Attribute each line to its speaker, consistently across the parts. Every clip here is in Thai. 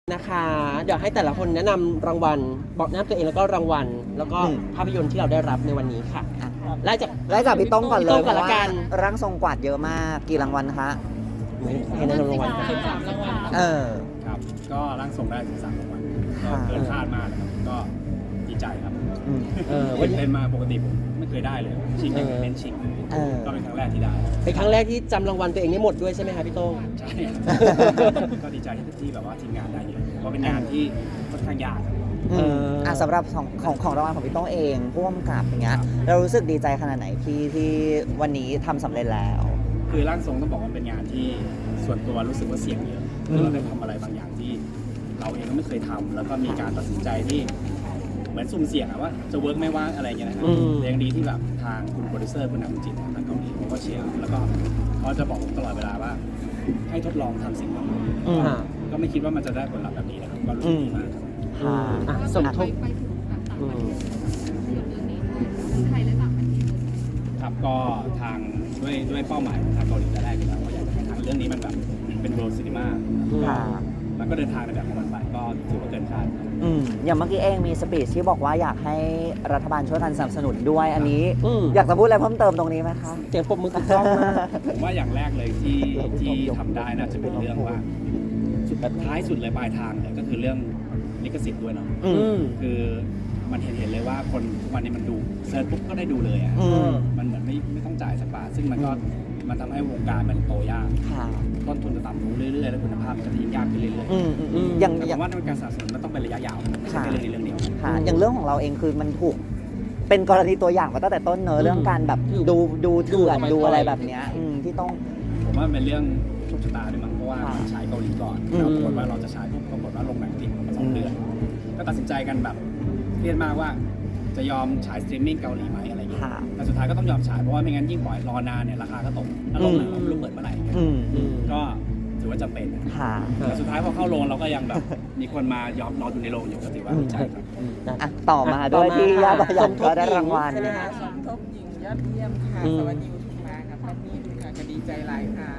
Speaker 1: นะคะเดี๋ยวให้แต่ละคนแนะนำรางวัลบอกแนะนำตัวเองแล้วก็รางวัลแล้วก็ภาพยนตร์ที่เราได้รับในวันนี้ค่ะไล่จาก
Speaker 2: พี่ต้องก่อนเลย
Speaker 1: พี่ต้องก่อนละกัน
Speaker 2: ร่างทรงกวาดเยอะมากกี่รางวัลคะ
Speaker 1: ให้แนะนำรางวัลกัน
Speaker 3: ครับก็ร่างทรงได้13รางวัลก็เกินคาดมากนะครับก็ดีใจครับ
Speaker 1: วันนี้
Speaker 3: เป็นมาปกติผมไม่เคยได้เลยชิงเน้นชิงก็เป็นครั้งแรกที่ได้
Speaker 1: เป็นครั้งแรกที่จำรางวัลตัวเองได้หมดด้วยใช่ไหมคะพี่โต้ง
Speaker 3: ใช่ก็ดีใจที่แบบว่าทีมงานได้เยอะเพราะเป็นงานที่ค่อนข้างยาก
Speaker 2: สำหรับของรางวัลของพี่ต้องเองผู้กำกับอย่างเงี้ยเรารู้สึกดีใจขนาดไหนที่วันนี้ทำสำเร็จแล้ว
Speaker 3: คือร่างทรงต้องบอกว่าเป็นงานที่ส่วนตัวรู้สึกว่าเสี่ยงเยอะคือเราได้ทำอะไรบางอย่างที่เราเองก็ไม่เคยทำแล้วก็มีการตัดสินใจที่เหมือนสุ่มเสี่ยงว่าจะเวิร์กไม่ว่าอะไรอย่างเงี้ยนะครับแต่ยังดีที่แบบทางคุณโปรดิวเซอร์คุณนำจิตทางเกาหลีเขาก็เชียร์แล้วก็เขาจะบอกผมตลอดเวลาว่าให้ทดลองทำสิ่งนี้ก็ไม่คิดว่ามันจะได้ผลลัพธ์แบบนี้นะครับก็รู้สึกดีมากครับ
Speaker 1: สมทบ
Speaker 4: ไปถึงแบบต่างประเทศเรื่องนี้ทั้งไทยและต่างประเทศเลย
Speaker 3: ครับก็ทางด้วยเป้าหมายของทางเกาหลีแต่แรกอยู่แล้วว่าอยากจะให้ทางเรื่องนี้มันแบบเป็นโรลซินิมามันก็เดินทางในแบบของมันไปก็ถือว่าเกินคาด
Speaker 2: อย่างเมื่อกี้เองมีสปีชที่บอกว่าอยากให้รัฐบาลช่วยกันสนับสนุนด้วยอันนี้อยากจะพูดอะไรเพิ่มเติมตรงนี้ไหมคะ
Speaker 1: เสียงปรบมือถูกต้องมาก
Speaker 3: ผมว่าอย่างแรกเลยที่ทำได้น่าจะเป็นเรื่องว่าสุดท้ายสุดเลยปลายทางเนี่ยก็คือเรื่องลิขสิทธิ์ด้วยเนาะคือมันเห็นเลยว่าคนวันนี้มันดูเซิร์ชปุ๊บก็ได้ดูเลยอ่ะมันเหมือนไม่ต้องจ่ายสักบาทซึ่งมันทำให้วงการมันโตยากต้นทุนจะต่ำลงเรื่อยๆแล้วคุณภาพจะยิ่งยากขึ้นเรื่อยๆอย่างว่าการสะสมมันต้องเป็นระยะยาวไม่ใช่เรื่องนี้เรื่องเดียว
Speaker 2: อย่างเรื่องของเราเองคือมันถูกเป็นกรณีตัวอย่างมาตั้งแต่ต้นเนอะเรื่องการแบบดูเถื่อนดูอะไรแบบเนี้ยที่ต้อง
Speaker 3: ผมว่าเป็นเรื่องโชคชะตาด้วยมั้งเพราะว่าฉายเกาหลีก่อนแล้วปรากฏว่าเราจะฉายปุ๊บปรากฏว่าลงหนังติดมา2 เดือนก็ตัดสินใจกันแบบเครียดมากว่าจะยอมฉายสตรีมมิ่งเกาหลีไหมอะไรอย่างเงี้ยแต่สุดท้ายก็ต้องยอมฉายเพราะว่าไม่งั้นยิ่งปล่อยรอนานเนี่ยราคาก็ตกแล้วลงหนังไม่รู้เปิดเมื่อไหร่ก็ถือว่าจำเป็นแต่สุดท้ายพอเข้าโรงเราก็ยังแบบมีคนมายอมรอดูในโรงอยู่ก็ถือว่าดีใจครับ
Speaker 2: ต่อมาด้วยที่ยาบยันก็ได้รางวัล
Speaker 5: สมทบหญิงยอดเยี่ยมค่ะสวัสดีทุกมาค่ะพันนี่ค่ะก็ดีใจหลายค่ะ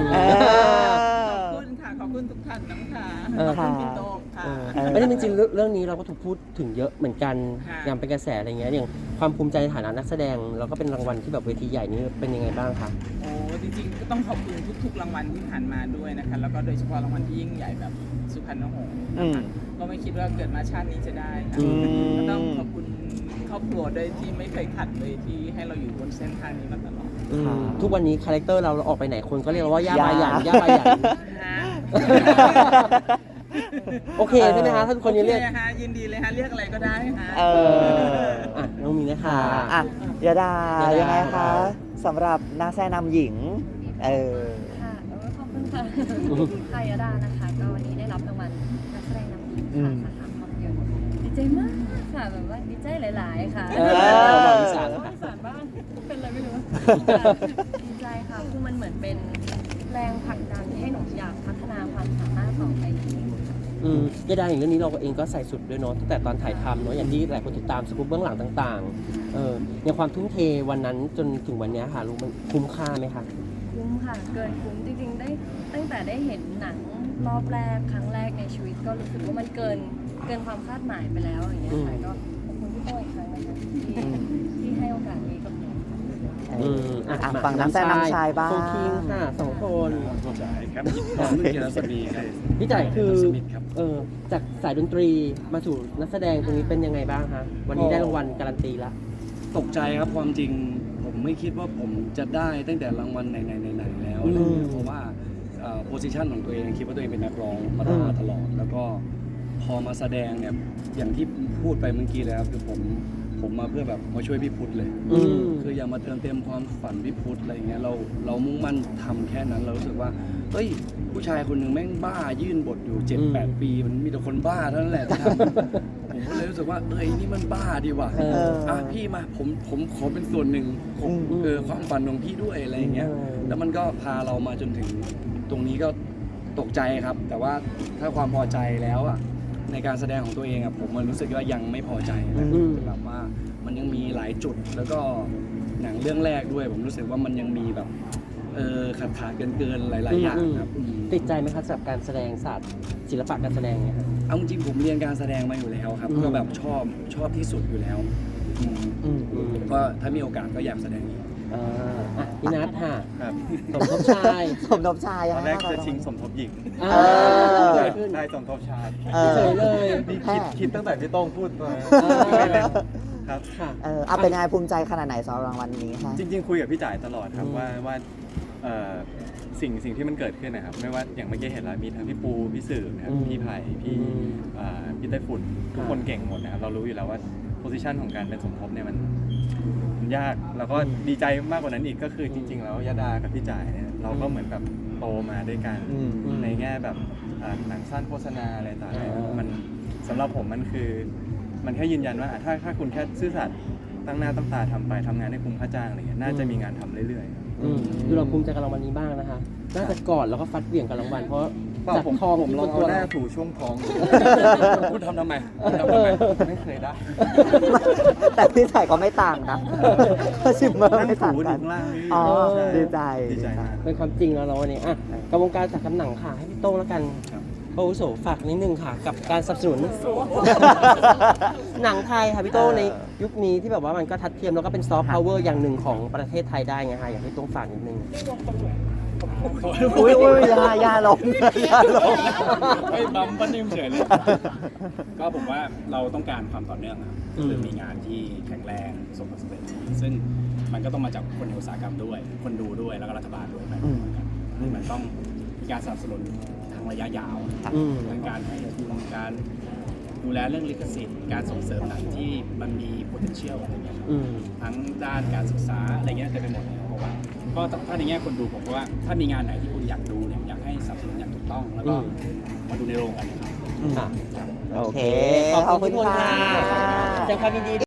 Speaker 5: ขอบคุณทุกท่านน้ำค่ะขอบคุณพี่โต้งค่ะ
Speaker 1: ไม่ได้จริงๆเรื่องนี้เราก็ถูกพูดถึงเยอะเหมือนกันอย่างเป็นกระแสอะไรเงี้ยอย่างความภูมิใจในฐานะนักแสดงแล้วก็เป็นรางวัลที่แบบเวทีใหญ่นี้เป็นยังไงบ้างคะ
Speaker 5: โอ้จริงๆก็ต้องขอบคุณทุกๆรางวัลที่ผ่านมาด้วยนะคะแล้วก็โดยเฉพาะรางวัลที่ยิ่งใหญ่แบบสุพรรณหงส์นะคะก็ไม่คิดว่าเกิดมาชาตินี้จะได้ค่ะก็ต้องขอบคุณครอบครัวด้วยที่ไม่เคยขัดเลยที่ให้เราอยู่บนเส้นทางนี้มาตลอด
Speaker 1: ทุกวันนี้คาแรคเตอร์เราออกไปไหนคนก็เรียกว่าย่าบาหยันย่าบาหยันโอเคใช่ไหมคะท่านคนนี้เรียก
Speaker 5: ยินดีเลยฮะเรียกอะไรก็ได้ฮะ
Speaker 1: น้องมีนะคะ
Speaker 2: ยาดายังไงคะสำหรับนักแสดงนำหญิง
Speaker 4: ค่ะขอบคุณค่ะค่ะยาดานะคะก็วันนี้ได้รับรางวัลนักแสดงนำหญิงค่ะสาขาภาพยนตร์ดีใจมากค่ะแบบว่าดีใจหลายๆค่ะ
Speaker 1: อีสาน
Speaker 4: บ้างเป็นอะไรไม่รู้ดีใจค่ะคือมันเหมือนเป็นแรงผลักดันที่ให้หนูอยากพัฒนาความสามารถต่อไปอีก
Speaker 1: ยาดาอย่างเรื่องนี้เราเองก็ใส่สุดด้วยเนาะตั้งแต่ตอนถ่ายทำเนาะอย่างที่หลายคนติดตามสกู๊ปเบื้องหลังต่างๆอย่างความทุ่มเทวันนั้นจนถึงวันนี้ค่ะรู้มันคุ้มค่าไหมคะ
Speaker 4: คุ้มค่ะเกินคุ้มจริงๆได้ตั้งแต่ได้เห็นหนังรอบแรกครั้งแรกในชีวิตก็รู้สึกว่ามันเกินความคาดหมายไปแล้วอย่างเงี้ยค่ะก็ขอบคุณพี่โต้อีกครั้งนะคะที่ให้โอกาสนี้กับหนู
Speaker 2: ฝั่งนักแสดงนำชายบ้าง
Speaker 1: โฟคิงค่ะ2 คน
Speaker 3: ใช่ครับนุ่นเกียรติสมีครับ
Speaker 1: พี่จ่ายคือจากสายดนตรีมาสู่นักแสดงตรงนี้เป็นยังไงบ้างคะวันนี้ได้รางวัลการันตีละ
Speaker 6: ตกใจครับความจริงผมไม่คิดว่าผมจะได้ตั้งแต่รางวัลไหนแล้วเพราะว่าโพสิชันของตัวเองคิดว่าตัวเองเป็นนักร้องมาตลอดแล้วก็พอมาแสดงเนี่ยอย่างที่พูดไปเมื่อกี้แล้วคือผมมาเพื่อแบบมาช่วยพี่พุทธเลยคืออยากมาเติมเต็มความฝันพี่พุทธอะไรเงี้ยเรามุ่งมั่นทำแค่นั้นเรารู้สึกว่าเฮ้ยผู้ชายคนหนึ่งแม่งบ้ายื่นบทอยู่ 7-8 ปีมันมีแต่คนบ้าเท่านั้นแหละที่ทำผมก็เลยรู้สึกว่านี่มันบ้าดีว่ะพี่มาผมขอเป็นส่วนหนึ่งของความฝันของพี่ด้วยอะไรอย่างเงี้ยแล้วมันก็พาเรามาจนถึงตรงนี้ก็ตกใจครับแต่ว่าถ้าความพอใจแล้วในการแสดงของตัวเองผมมันรู้สึกว่ายังไม่พอใจแบบว่ามันยังมีหลายจุดแล้วก็หนังเรื่องแรกด้วยผมรู้สึกว่ามันยังมีแบบขาดเกินหลายๆอย่างครับ
Speaker 1: ติดใจไหมครับสำหรับการแสดงศาสตร์ศิลปะการแสดงเนี่ยครับ
Speaker 6: เอาจริงๆผมเรียนการแสดงมาอยู่แล้วครับ
Speaker 1: อืม
Speaker 6: ก็แบบชอบที่สุดอยู่แล้วก็ถ้ามีโอกาสก็อยากแสดงอีก
Speaker 1: พี่นัทค่ะ
Speaker 7: ครับ
Speaker 1: สมทบชาย
Speaker 2: สมทบชาย
Speaker 7: ตอนแรก
Speaker 2: ยังไง
Speaker 7: จะชิงสมทบหญิง
Speaker 1: อ่า
Speaker 2: อ
Speaker 1: เกิดขึ้น
Speaker 7: ได้สมทบชาย
Speaker 1: เฉยเลย
Speaker 7: นี่คิดตั้งแต่พี่โต้งพูดมา
Speaker 1: เออ
Speaker 7: ครับ
Speaker 1: ค่ะ
Speaker 2: เอาเป็นยังไงภูมิใจขนาดไหนสำหรับรางวัลนี้คะ
Speaker 7: จริงๆคุยกับพี่จ่ายตลอดครับ
Speaker 1: อืม
Speaker 7: ว่าสิ่งที่มันเกิดขึ้นนะครับไม่ว่าอย่างเมื่อกี้เห็นแล้วมีทั้งพี่ปูพี่สื่อนะครับพี่ไผ่พี่ไต้ฝุ่นทุกคนเก่งหมดนะครับเรารู้อยู่แล้วว่าโพสิชันของการเป็นสมทบเนี่ยมันยากแล้วก็ดีใจมากกว่านั้นอีกก็คือจริง ๆ แล้วยาดากับพี่จ่ายเนี่ยเราก็เหมือนแบบโตมาด้วยกัน ในแง่แบบหนังสั้นโฆษณาอะไรต่างๆมันสำหรับผมมันคือมันแค่ยืนยันว่าถ้าคุณแค่ซื่อสัตย์ตั้งหน้าตั้งตาทำไปทำงานให้คุ้มค่าจ้างอะไรเงี้ยน่าจะมีงานทำเรื่อยๆ
Speaker 1: ดูเราภูมิใจกับรางวัลนี้บ้างนะคะ น่าจะกอดแล้วก็ฟัดเหวี่ยงกับรางวัลเพราะ
Speaker 7: เปล่า
Speaker 1: จาก
Speaker 7: ผม
Speaker 1: ทอง
Speaker 7: ผม
Speaker 1: ที่
Speaker 7: ล
Speaker 1: บ
Speaker 7: อง
Speaker 1: น
Speaker 7: เอา
Speaker 1: ตัว
Speaker 7: หน้า
Speaker 1: เรา
Speaker 7: ถูช่วงท้อง
Speaker 6: พูดทำทำไมพูดทำทำไม
Speaker 7: ไม่เคยได้
Speaker 2: แต่พี่ชายก็ไม่ต่างนะชิมเมอร์
Speaker 7: นั่ง
Speaker 2: ไม่ต่าง
Speaker 7: ถู
Speaker 2: กั
Speaker 7: ถึ
Speaker 2: น
Speaker 7: งล่างนี่
Speaker 2: อ๋อ
Speaker 7: ใช่
Speaker 2: ดีใจ
Speaker 7: ดีใจมาก
Speaker 1: เป็นความจริงแล้วเราวันนี้อ่ะกับวงการจากกำหนังค่ะ ให้พี่โต้งแล้วกัน
Speaker 7: ครับ
Speaker 1: โอ้โสฝากนิดนึงค่ะ กับการสนับสนุน หนังไทยค่ะพี่โต้งในยุคนี้ที่แบบว่ามันก็ทัดเทียมแล้วก็เป็นซอฟต์พาวเวอร์อย่างหนึ่งของประเทศไทยได้ไงคะอยากให้พี่โต้งฝากนิดนึง
Speaker 2: อุ้ยยาลงยาลง
Speaker 3: เฮ้ยบัมบันนิ่มเฉยเลย ก็ผมว่าเราต้องการความต่อเนื่องนะครับ
Speaker 1: อืม
Speaker 3: คือมีงานที่แข็งแรงสมบูรณ์สำเร็จซึ่งมันก็ต้องมาจากคนในอุตสาหกรรมด้วย คนดูด้วยแล้วก็รัฐบาลด้วยไปพร้อมกันมันต้องมีการสนับสนุนทางระยะยาว
Speaker 1: อืม
Speaker 3: ทั้งการให้ทุนการดูแลเรื่องลิขสิทธิ์การส่งเสริมหนังที่มันมี potential อะไรเงี้ยครับ
Speaker 1: อืม
Speaker 3: ทั้งด้านการศึกษาอะไรเงี้ยเต็มไปหมดเลยเพราะว่าก็ถ้าในแง่คนดูผมว่าถ้ามีงานไหนที่คุณอยากดูเนี่ยอยากให้สนับสนุนอย่างถูกต้อง แล้วก็มาดูในโรงกันนะครับ
Speaker 1: ค่ะ
Speaker 2: โอเค
Speaker 1: ขอบคุณทุกคนค่ะแสดงความยินดี